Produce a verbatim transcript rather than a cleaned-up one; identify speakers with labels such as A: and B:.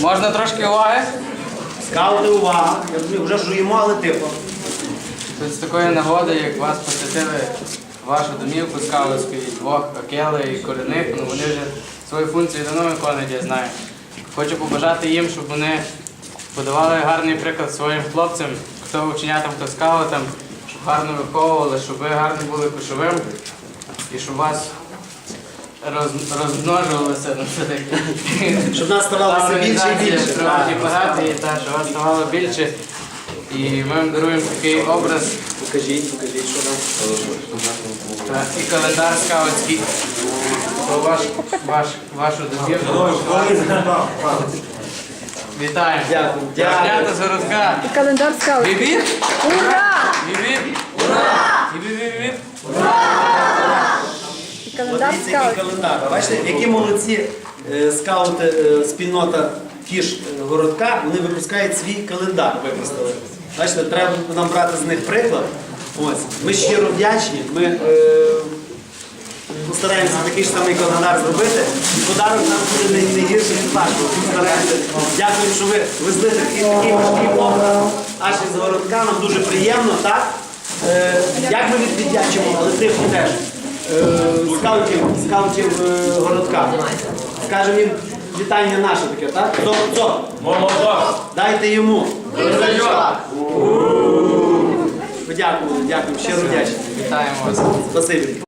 A: Можна трошки уваги?
B: Скаути, увага. Ми вже жуємо, але тихо.
A: Тут з такої нагоди, як вас посетили вашу домівку скаутську, і двох Акели і Корінних, ну вони вже свою функцію давно виконують, я знаю. Хочу побажати їм, щоб вони подавали гарний приклад своїм хлопцям, хто ученятам, хто скаутам, щоб гарно виховували, щоб ви гарно були кошовим і щоб вас роз, розмножувалося. Ну, це таке.
B: Щоб нас ставалося більше і більше.
A: Справді парафії, та, щоб вас ставало більше. І ми вам даруємо такий образ.
B: Покажіть, покажіть, що нам.
A: Та, і календар скаутський. Про ваш, ваш, вашу домівку. Вітаємо.
B: Дякую.
A: Дякую. з городка.
C: І календар скаут.
A: Віп-віп.
C: Ура!
A: Віп-віп. Ура! Віп-віп-віп.
C: І календар
B: Дивіться, який
C: скаут.
B: календар. Бачите, які молодці е, скаути, е, спільнота Кіш е, городка, вони випускають свій календар, випустили. Бачите, треба нам брати з них приклад. Ось. Ми щиро вдячні. Ми е, постараємося такий ж самий календар зробити. І подарок нам буде не, не гірший від вашого. Постараємося. Дякую, що ви везли такий такий важкий образ аж із городка. Нам дуже приємно, так? Е, як ми віддячимо, але тихо теж. Е, скаутів, скаутів е, городка. Скажемо їм вітання наше таке, так? Хто? Хто? Дайте йому. Подякували, дякую, щиро вдячні.
A: Вітаємо вас.
B: Спасибі.